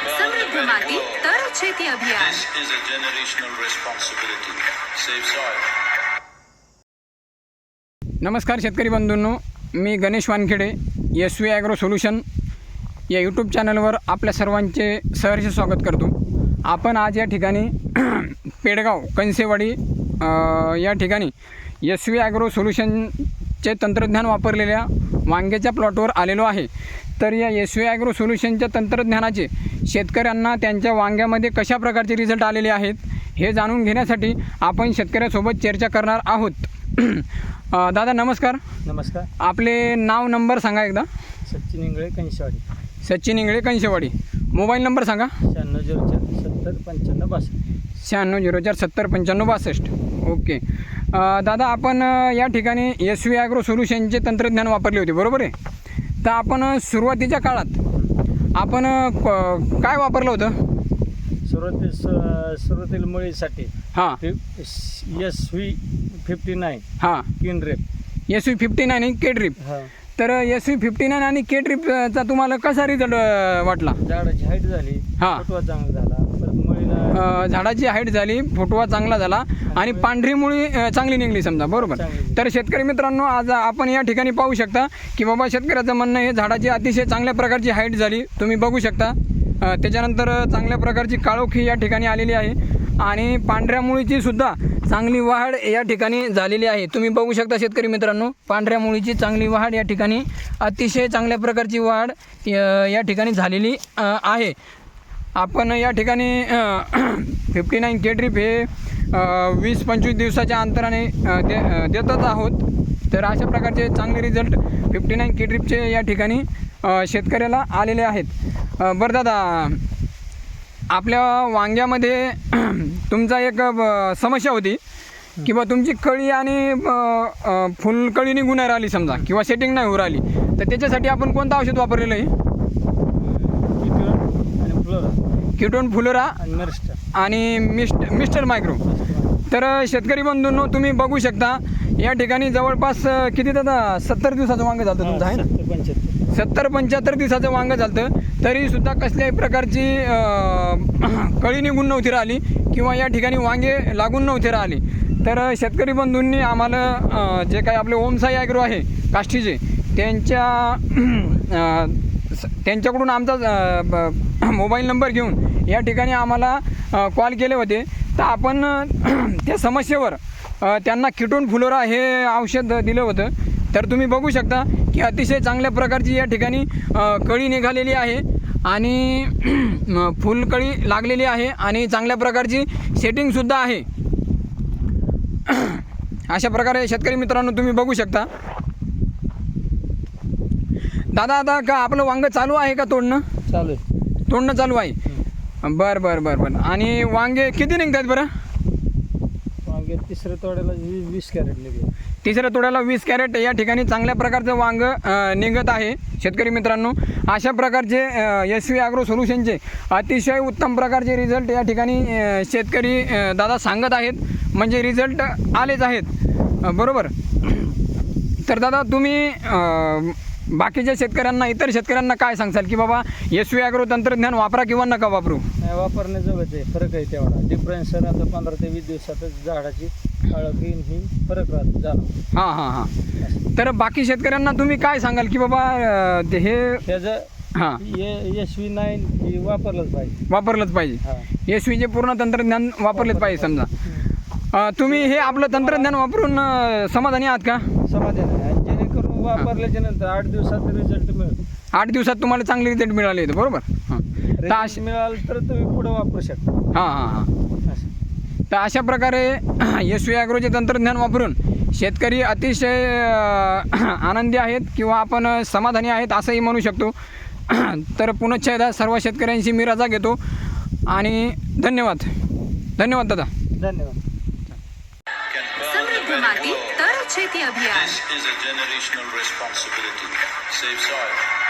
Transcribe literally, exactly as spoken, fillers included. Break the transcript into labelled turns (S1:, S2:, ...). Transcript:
S1: समृद्ध माती तर शेती अभियान.
S2: This is a generational responsibility. Save soil.
S3: नमस्कार शेतकरी बंधूंनो, मी Ganesh Wankhede, S V agro solution या यूट्यूब चॅनलवर आपल्या सर्वांचे सहर्ष स्वागत करतो. आपण आज या ठिकाणी पेडगाव कंसेवाडी या ठिकाणी एस व्ही ॲग्रो सोल्युशनचे तंत्रज्ञान वापरलेल्या वांग्याच्या प्लॉटवर आलेलो आहे. तर या एस व्ही ॲग्रो सोल्युशनच्या तंत्रज्ञानाचे शेतकऱ्यांना त्यांच्या वांग्यामध्ये कशा प्रकारचे रिझल्ट आलेले आहेत हे जाणून घेण्यासाठी आपण शेतकऱ्यासोबत चर्चा करणार आहोत. दादा नमस्कार.
S4: नमस्कार.
S3: आपले नाव नंबर सांगा एकदा.
S4: सचिन इंगळे कंशवाडी.
S3: सचिन इंगळे कंशवाडी. मोबाईल नंबर सांगा.
S4: शहाण्णव झिरो चार सत्तर पंच्याण्णव बासष्ट.
S3: शहाण्णव झिरो चार सत्तर पंच्याण्णव बासष्ट. ओके दादा, आपण या ठिकाणी एस व्ही ॲग्रो सोल्युशनचे तंत्रज्ञान वापरले होते, बरोबर आहे? तर आपण सुरुवातीच्या काळात आपण काय वापरलं होतं?
S4: सुरुवाती सुरुवातीला मुळीसाठी
S3: हां
S4: एस व्ही फिफ्टी नाईन
S3: हां
S4: किनरेप
S3: एस व्ही फिफ्टी नाईन आणि के ड्रिप.
S4: हां.
S3: तर एस व्ही फिफ्टी नाईन आणि के ड्रिपचा तुम्हाला कसा रिझल्ट वाटला?
S4: झाडाची हाईट झाली,
S3: हां.
S4: फुटवा चांगला झाला, परत मुळीला
S3: झाडाची हाईट झाली, फुटवा चांगला झाला आणि पांढरी मुळी चांगली निघली समजा, बरोबर?
S4: चांगली.
S3: तर शेतकरी मित्रांनो, आज आपण या ठिकाणी पाहू शकता की बाबा शेतकऱ्याचं म्हणणं आहे झाडाची अतिशय चांगल्या प्रकारची हाईट झाली, तुम्ही बघू शकता. त्याच्यानंतर चांगल्या प्रकारची काळोखी या ठिकाणी आलेली आहे आणि पांढऱ्या मुळीची सुद्धा चांगली वाढ या ठिकाणी झालेली आहे. तुम्ही बघू शकता शेतकरी मित्रांनो, पांढऱ्या मुळीची चांगली वाढ या ठिकाणी, अतिशय चांगल्या प्रकारची वाढ या ठिकाणी झालेली आहे. आपण या ठिकाणी फिफ्टी नाईन के ड्रिप हे वीस पंचवीस दिवसाच्या अंतराने दे देतच आहोत. तर अशा प्रकारचे चांगले रिझल्ट फिफ्टी नाईन के ड्रिपचे या ठिकाणी शेतकऱ्याला आलेले आहेत. बरं दादा, आपल्या वांग्यामध्ये तुमचा एक समस्या होती की बा तुमची कळी आणि फुलकळी निघून नाही राहिली समजा, किंवा सेटिंग नाही होऊ राहिली, तर त्याच्यासाठी आपण कोणतं औषध वापरलेलं आहे?
S4: आणि फ्लोरा
S3: किटोन फ्लोरा
S4: आणि मिस्टर
S3: आणि मिस्ट मिस्टर मायक्रो. तर शेतकरी बंधूंनो, तुम्ही बघू शकता या ठिकाणी जवळपास किती दादा सत्तर दिवसाचं वांगं झालं तुमचं, आहे ना?
S4: पंच्याहत्तर
S3: सत्तर पंच्याहत्तर दिवसाचं वांगं झालं, तरीसुद्धा कसल्याही प्रकारची कळी निघून नव्हती राहिली किंवा या ठिकाणी वांगे लागून नव्हते राहिली. तर शेतकरी बंधूंनी आम्हाला जे काही आपले ओमसाई ॲग्रो आहे काष्टीचे, त्यांच्या त्यांच्याकडून आमचा मोबाईल नंबर घेऊन या ठिकाणी आम्हाला कॉल केले होते. तर आपण त्या समस्येवर त्यांना किटोन फ्लोरा हे औषध दिलं होतं. तर तुम्ही बघू शकता की अतिशय चांगल्या प्रकारची या ठिकाणी कळी निघालेली आहे आणि फुलकळी लागलेली आहे आणि चांगल्या प्रकारची सेटिंगसुद्धा आहे. अशा प्रकारे शेतकरी मित्रांनो तुम्ही बघू शकता. दादा, आता का आपलं वांगं चालू आहे का तोडणं?
S4: चालू आहे.
S3: तोडणं चालू आहे. बरं बरं बरं बरं. आणि वांगे किती निघतात बरं?
S4: वांगे तिसऱ्या तोड्याला वीस वीस कॅरेट निघले.
S3: तिसऱ्या तोड्याला वीस कॅरेट या ठिकाणी चांगल्या प्रकारचं वांगं निघत आहे. शेतकरी मित्रांनो, अशा प्रकारचे एस व्ही ॲग्रो सोल्युशनचे अतिशय उत्तम प्रकारचे रिझल्ट या ठिकाणी शेतकरी दादा सांगत आहेत, म्हणजे रिझल्ट आलेच आहेत, बरोबर? तर दादा, तुम्ही बाकीच्या शेतकऱ्यांना, इतर शेतकऱ्यांना काय सांगसाल की बाबा एस व्ही ॲग्रो तंत्रज्ञान वापरा किंवा नका वापरू?
S4: नाही, वापरण्याजोगंच आहे. फरक आहे तेवढा. डिफरन्स सर आता पंधरा ते वीस दिवसातच झाडाची काळोखी ही फरक राहतो झाला.
S3: हां हां हां. तर बाकी शेतकऱ्यांना तुम्ही काय सांगाल की बाबा ते हे
S4: त्याचं
S3: हां
S4: एस व्ही नाईन ही वापरलंच पाहिजे.
S3: वापरलंच पाहिजे.
S4: हां.
S3: एस व्हीचे पूर्ण तंत्रज्ञान वापरलेच पाहिजे समजा. तुम्ही हे आपलं तंत्रज्ञान वापरून समाधानी आहात का?
S4: समाधान आहे. जेणेकरून वापरल्याच्या नंतर आठ दिवसात रिझल्ट मिळतो.
S3: आठ दिवसात तुम्हाला चांगले रिझल्ट मिळाले आहेत, बरोबर? हां. तर
S4: रिझल्ट
S3: अश
S4: मिळालं तर तुम्ही पुढे वापरू शकता.
S3: हां हां हां.
S4: असं.
S3: तर अशा प्रकारे एस व्ही ॲग्रोचे तंत्रज्ञान वापरून शेतकरी अतिशय आनंदी आहेत किंवा आपण समाधानी आहेत असंही म्हणू शकतो. तर पुनश्च एकदा सर्व शेतकऱ्यांशी मी रजा घेतो आणि धन्यवाद. धन्यवाद दादा.
S4: धन्यवाद.
S1: समृद्ध माती तर शेती अभियान.
S2: This is a generational responsibility. Save soil.